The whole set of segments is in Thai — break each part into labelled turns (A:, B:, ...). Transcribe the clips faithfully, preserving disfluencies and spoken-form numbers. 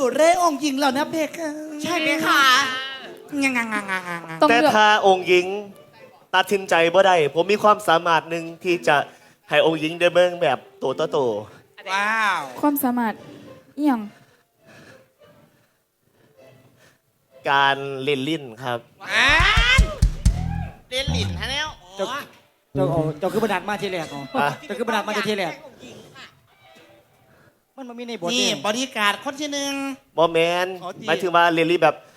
A: แลองค์หญิงแล้วนะเพคะใช่ไหมคะงังงังงังงังงัง
B: แต่ถ้าองค์หญิงตัดสินใจบ่ได้ผมมีความสามารถหนึ่งที่จะให้องค์หญิงได้เบิ่งแบบตัวต่อตัว
A: ว้าว
C: ความสามารถเอียง
B: การเล่นลิ้นครับ
A: เล่นลิ้นฮะแล้วเจ้าเจ้าเจ้าคือประดัดมาทีแรกเนาะเจ้าคือประดัดมาทีแรกมันมันมีในบทนี่บริการคนที่หนึ่ง
B: บอแมนหมายถึงว่าเล่นลิ้นแบบ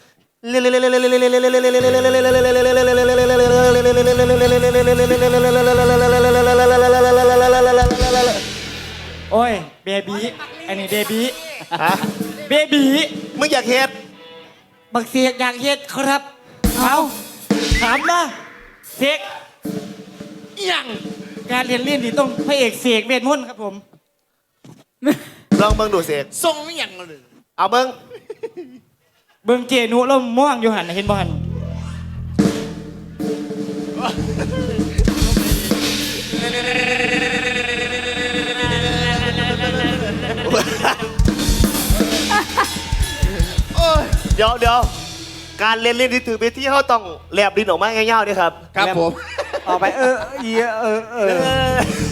A: โอ้ยเบบี้อันนี้เบบี้เบบี้
B: มึงอยากเฮ็ด
A: บักเสียกอยากเฮ็ดครับเอาถามนะเสกยังการเรียนเล่นนี่ต้องพระเอกเสกเวทมนต์ครับผม
B: ลองเบิ่งดูเสก
A: ทรงไม่ยังเลย
B: เอาเบิ่ง
A: เบิ่งเจนุแล้วม่วงอยู่หันเห็นบ่หัน
B: เดี๋ยวเดี๋ยวการเล่นเล่นที่ถือไปที่เขาต้องแลบดินออกมาง่ายๆนี่ครับ
A: ครับผมออกไปเออเออเออเออ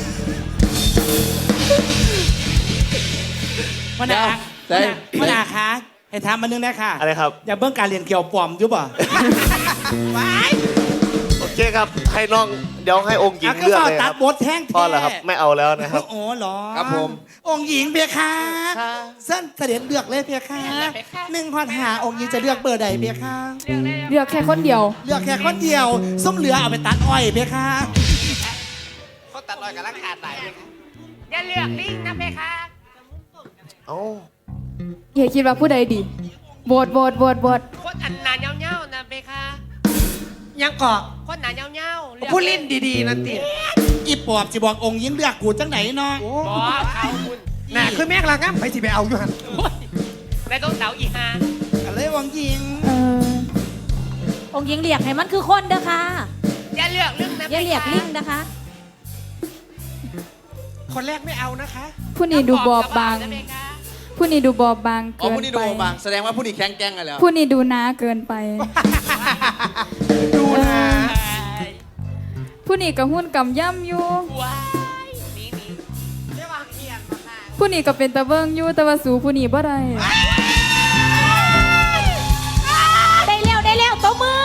A: มันอามันอาคะให้ถามมานึงนะค่ะ
B: อะไรครับ
A: อย่าเบิ่งการเรียนเกี่ยวปลอมอยู่ป่ะไป
B: โอเคครับให้น้องเดี๋ยวให้องค์หญิงเลือกเลยครับ
A: บทแท่ง
B: พอแล้วครับไม่เอาแล้วนะครับ
A: โอ้หรอ
B: ครับผม
A: องค์หญิงเพียค่ะเส้นเสด็จเลือกเลยเพียค่ะหนึ่งพันหาองค์หญิงจะเลือกเบอร์ใดเพียค่ะ
C: เลือกแค่คนเดียว
A: เลือกแค่คนเดียวส้มเหลือเอาไปตัดอ้อยเพียค่ะเขาตัดอ้อยกับราคาไหน
D: อย่าเลือกลิงนะเพคะ
B: เอ้า
C: อย่าคิดว่าผู้ใดดีโหวตโหวตโหวตโหวต
D: คนอันหนาเงาๆนะเพคะ
A: ยังเกาะ
D: คนหนาเงา
A: ๆผู้ลิ้นดีๆนั่นติอีปอบสิบอกองค์หญิงเลือกกูจังไหนเนาะ
D: บอกเขาคุณ
A: น่ะคือแม่กลางงั้นไปสิไปเอาอยู่หัน
D: แล้วต้องเสาอีฮา
A: อะไรองค์หญิง
E: องค์หญิงเรียกให้มันคือคนเด้อค่ะ
D: อย่าเลือกลิงนะ
E: อย่าเรียกลิงนะคะ
A: คนแรกไม่เอานะคะ
C: ผู้นี้ดูบอบบางผู้นี้ดูบอบบางเกินไปอ๋อ
A: ผู้นี้ดูบอบบางแสดงว่าผู้นี้แข็งแกร่งกันแล้ว
C: ผู้นี้ดูน้าเกินไป
A: ดูนะ
C: ผู้นี้กับหุ้นกำย่ำอยู่ผู้นี้ก็เป็นตะเบิ้งอยู่แต่ว่าสูผู้นี้บ่ได้
E: ได้เร็วได้เร็วตัวมือ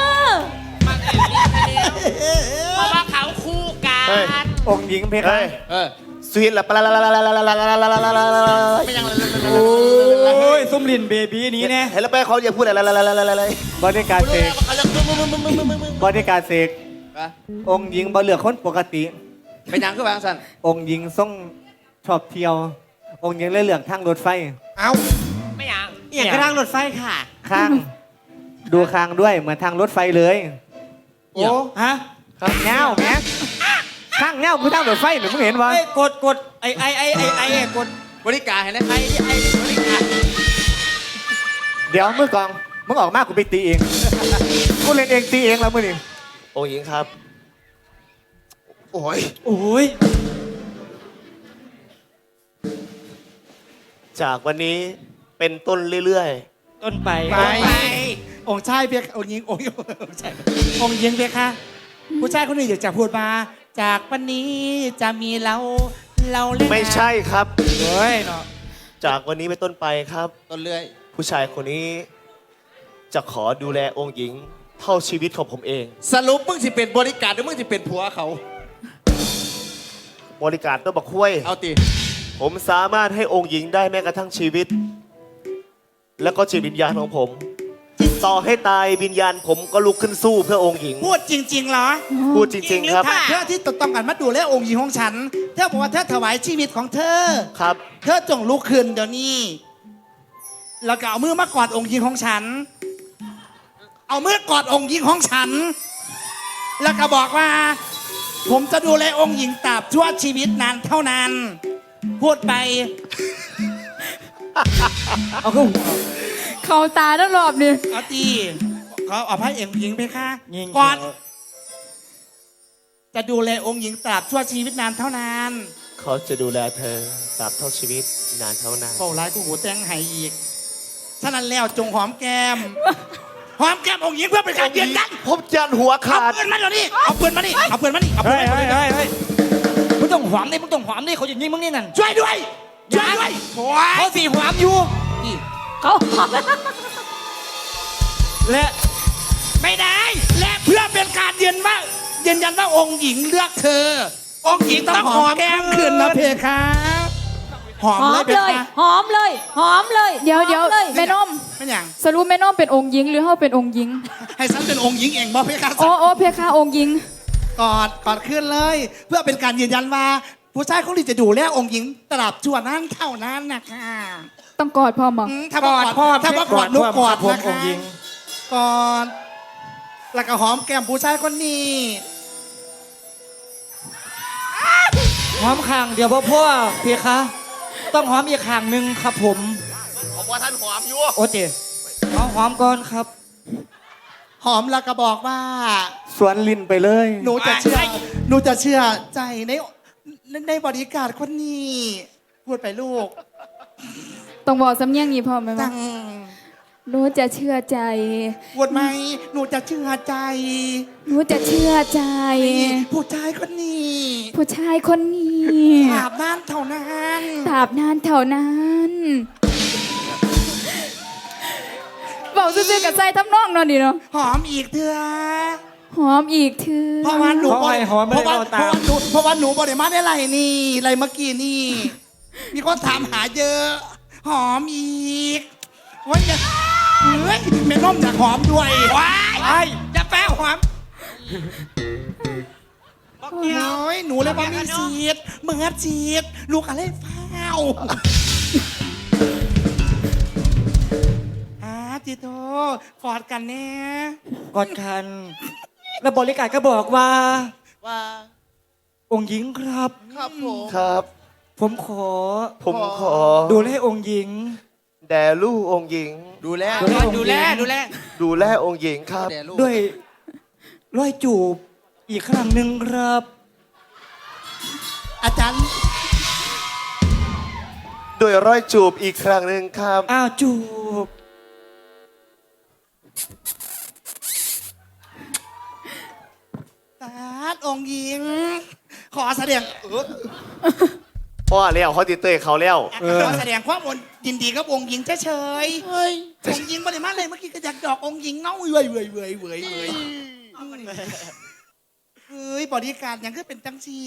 D: เพราะว่าเขาคู่กัน
A: องค์หญิงเพคะ
B: สวีทละปลาลาลาลาลาลาลาลาลาลาลาลาลา
A: โอ้ยส้มลินเบบี้นี้แน่
B: เห็นแล้วไปเขาอย่าพูดอะไรละละละละละ
A: บริการเสกบริการเสกองค์หญิงบ่เลือกคนปกติ
F: เป็นยังคือวางสัน
A: องค์หญิงส่งชอบเที่ยวองค์หญิงเลยเลือกทางรถไฟ
F: เอ้า
D: ไม่ยัง
A: เอียงทางรถไฟค่ะข้างดูข้างด้วยเหมือนทางรถไฟเลยโอ้ฮะเงาแม่ข้างเงาคือทางรถไฟหนูมึงเห็นวะกดกดไอไอไอไอไอกด
F: บริการเห็นไหม
A: ไอไอบริการเดี๋ยวมือกองมึงออกมากูไปตีเองกูเล่นเองตีเองแล้วมึงนี่
B: องค์หญิงครับโอ้ย
A: โอ้ย
B: จากวันนี้เป็นต้นเรื่อย
A: ๆต้นไปไปองค์ชายเพียองค์หญิงองค์องค์ชายองค์หญิงเพียค่ะผู้ชายคนนี้อยากจะพูดมาจากวันนี้จะมีเราเราเล่น
B: ไม่ใช่ครับ
A: เฮ้ยเนาะ
B: จากวันนี้เป็นต้นไปครับ
F: ต้นเรื่อย
B: ผู้ชายคนนี้จะขอดูแลองค์หญิงเท่าชีวิตของผมเอง
F: สรุปมึงสิเป็นบริการหรือมึงสิเป็นผัวเขา
B: บริการตัวบักคุ้ย
F: เอาตี
B: ผมสามารถให้องค์หญิงได้แม้กระทั่งชีวิตและก็จิตวิญญาณของผมต่อให้ตายวิญญาณผมก็ลุกขึ้นสู้เพื่อองค์หญิง
A: พูดจริงๆเหรอ
B: พูดจริงๆครับ
A: เธอที่ต้องการมาดูแลองค์หญิงของฉันเธอบอกว่าเธอถวายชีวิตของเธอ
B: ครับ
A: เธอจงลุกขึ้นเดี๋ยวนี้แล้วก็เอามือมากอดองค์หญิงของฉันเอามือกอดองค์หญิงของฉันแล้วก็บอกว่าผมจะดูแลองค์หญิงตราบชั่วชีวิตนานเท่านานพูดไปเอาขึ้น
C: เขาตาทั้งรอบนี่
A: เอาตีเขาเอาพระเอกหญิงไปค่ะก่อนจะดูแลองค์หญิงตราบชั่วชีวิตนานเท่านาน
B: เขาจะดูแลเธอตราบเท่าชีวิตนานเท่านาน
A: เฝ้าร้ายกูหูแตงหายอีกฉะนั้นแล้วจงหอมแก้มหอมแก้มองค์หญิงเพื่อเป็นการยืนยัน
B: ผมยันหัว
A: เอา
B: ขาด
A: ปืนมาเดี๋ยวนี้เอาปืนมานี่เอาปืนมานี่เอาปื
G: เฮ้
A: น
G: ย
A: มา
G: เฮ้ย
A: นี่
G: เฮ้ยเฮ้ยมึงต้องหวามดิมึงต้องหวามดิเขาจะยิงมึงนี่นั่น
A: ช่วยด้วยช่วยด้วยโอ้ย
G: เขาสี่หวามอยู่
E: เขาหอม
G: และ
A: ไม่ได้ และเพื่อเป็นการยืนว่ายืนยันว่าองค์หญิงเลือกเธอ องค์หญิงต้องหอมแก้มคืนนะเพคะหอม
E: หอ
A: เลย
E: ม
A: เพ
E: เลย
A: คะ
E: หอมเลย หอมเลย
C: เดี๋ยวเดี๋ยว
E: หอมเลย
C: แม่นม
A: เป็นอย่าง
C: สรุปแม่นมเป็นองค์หญิงหรือเฮาเป็นองค์หญิง
A: ให้ฉันเป็นองค์หญิงเองบอกเพคะ
C: โอ้โอ้เพคะองค์หญิง
A: กอดกอดขึ้นเลย เพื่อเป็นการยืนยันว่า ผู้ชายคนนี้จะดูแลองค์หญิงตราบชั่วนั้นเท่านั้นนะคะ
C: ต้องกอดพ่อมอง
A: อืมถ้าบอกอดถ้าบอกกอดนุกกอด
G: ผม
A: นะ
G: อ
A: คะ
G: งค์หญิง
A: กอดแล้วก็หอมแก้มผู้ชายคนนี้
G: หอมข้างเดียวพ่อพ่อเพียคะต้องหอมอีกข้างหนึ่งครับผม
B: ผมว่าท่านหอมอยู่
G: โอเคเอาหอมก่อนครับ
A: หอมแล้วก็บอกว่า
G: สวนลิ้นไปเลย
A: หนูจะเชื่อ หนูจะเชื่อใจในในในบริการคนนี้ พูดไปลูก
C: ต้องบอกสำเนียงนี้พ่อไหม
A: จั
C: ว่าง หนูจะเชื่อใจ
A: พูดไหม หนูจะเชื่อใจ
C: หนูจะเชื่อใจ
A: ผู้ชายคนนี้
C: ผู้ชายคนนี้
A: ถาบนั้นเท่านั้น
C: ตราบนานเท่านั้นบอกซื่อๆกับใจทำนองเนอนดีเนาะ
A: หอมอีกเถอะ
C: หอมอีกเถือ
A: เพราะว่าหนู
G: เพราะว่าหอมไม่
A: เพราะ
G: ได้
A: ว่า
G: เอาตาม
A: เพราะว่าหนูเพราะว่าหนูบริมาได้ไรนี่ไรเมื่อกี้นี่ มีคนถามหาเยอะ หอมอีกโอ้ยอย่าเฮ้ยแม่น้อมอยากหอมด้วยว้ายไอ้จะแป้หอมโอ้ยหนูเลยว่ามีสีดเหมือนสีดลูกอะไรเฝ้าอาจิโตกอดกันแน่
G: กอดกัน แล้วบริการก็บอกว่า
F: ว่า
G: องค์หญิงครับ
F: ครับผม
B: ครับ
G: ผมขอ
B: ผมขอ
G: ดูแลองค์หญิง
B: แด่ลูกองค์หญิง
F: ดูแล
G: ดูแล
D: ดูแลดูแล
B: ดูแลองค์หญิงครับ
F: แด่ลูก
G: ด้วยร้อยจูบอีกครั้งหนึ่งครับ
A: อาจารย์
B: ด้วยร้อยจูบอีกครั้งหนึ่งครับ
G: อ้าวจูบ
A: ตาดองค์หญิง ขอแสดงเออ
B: พ่อแล้วเขาติดเตยเขาแล้ว
A: ขอแสดงความยินดีกับองค์หญิงเฉยๆเฮ้ยองค์หญิงบริมาเลยเมื่อกี้ก็อยากดอกองค์หญิงเนาะเว้ยเว้ยเว้ยเว้ยเว้ยเฮ้ยบริการยังคือเป็นจังซี่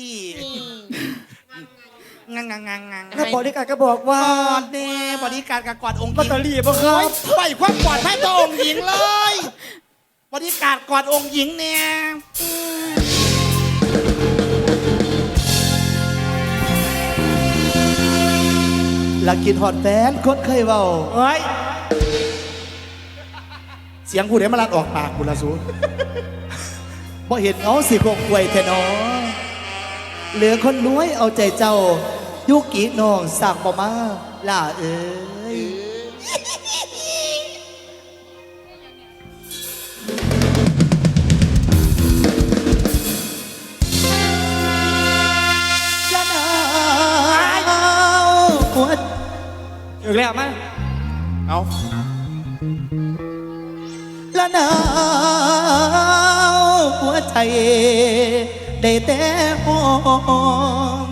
A: งังงังงังงัง
G: แล้วบริการก็บอกว่าก
A: อดเน่บริการกับกอดองค์ห
G: ลอต
A: ญิง
G: เตอรี่ป่ะครับ
A: ไปความกอดให้ตัวองค์หญิงเลยบริการกอดองค์หญิงเนี่ยลักกินหอดแฟนคนเคยเบาเฮ้ย เสียงกูเดี๋ยวมาลัดออกปากกูละสูบ่เห็นเอาสิคงควยแทนอเหลือคนรวยเอาใจเจ้า ยุกิน้องสั่งบ่มาล่าเอ้ยละนาวหัว
G: อีกแล้วมั้ย
F: เอา
A: ละนาวหัวใจได้แต่หอม